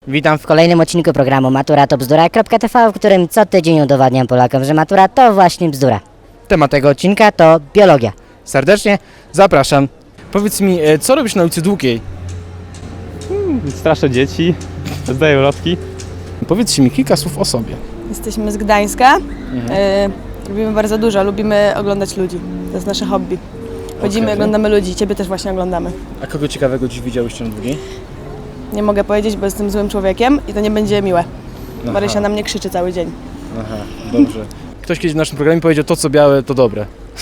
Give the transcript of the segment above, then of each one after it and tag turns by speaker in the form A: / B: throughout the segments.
A: Witam w kolejnym odcinku programu Matura to bzdura.tv, w którym co tydzień udowadniam Polakom, że matura to właśnie bzdura. Temat tego odcinka to biologia. Serdecznie zapraszam. Powiedz mi, co robisz na ulicy Długiej?
B: Straszę dzieci, zdaję ulotki.
C: Powiedzcie mi kilka słów o sobie.
D: Jesteśmy z Gdańska. Lubimy bardzo dużo, lubimy oglądać ludzi. To jest nasze hobby. Chodzimy,
C: Okej.
D: oglądamy ludzi, ciebie też właśnie oglądamy.
C: A kogo ciekawego dziś widziałyście na Długiej?
D: Nie mogę powiedzieć, bo jestem złym człowiekiem i to nie będzie miłe.
C: Aha.
D: Marysia na mnie krzyczy cały dzień.
C: Aha, dobrze. Ktoś kiedyś w naszym programie powiedział, to co białe to dobre.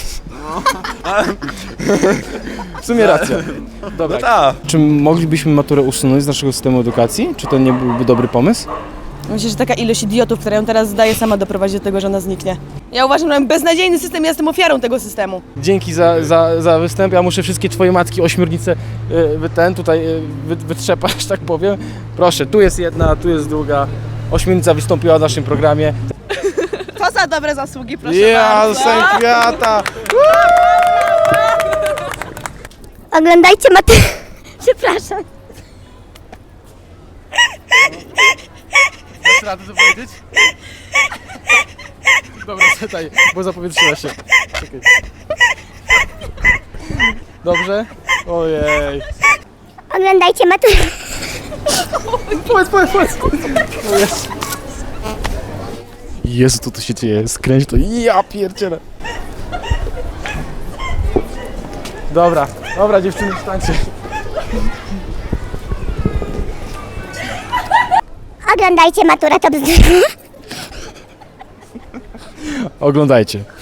C: W sumie racja. Dobra. Czy moglibyśmy maturę usunąć z naszego systemu edukacji? Czy to nie byłby dobry pomysł?
D: Myślę, że taka ilość idiotów, która ją teraz zdaje, sama doprowadzi do tego, że ona zniknie. Ja uważam, że mamy beznadziejny system, ja jestem ofiarą tego systemu.
C: Dzięki za występ. Ja muszę wszystkie twoje matki ośmiornice wytrzepać, tak powiem. Proszę, tu jest jedna, tu jest druga. Ośmiornica wystąpiła w naszym programie.
D: To za dobre zasługi, proszę
C: Ja,
D: bardzo.
C: kwiata!
E: Oglądajcie maturę. Przepraszam.
C: Dasz radę to powiedzieć? Dobra, czytaj, bo zapowietrzyła się. Czekaj. Dobrze? Ojej.
E: Oglądajcie maturę.
C: Powiedz. O Jezu. Jezu, co tu się dzieje? Skręć to. Ja pierdzielę. Dobra, dziewczyny, wstańcie.
E: Oglądajcie maturę to bzdura.
C: Oglądajcie.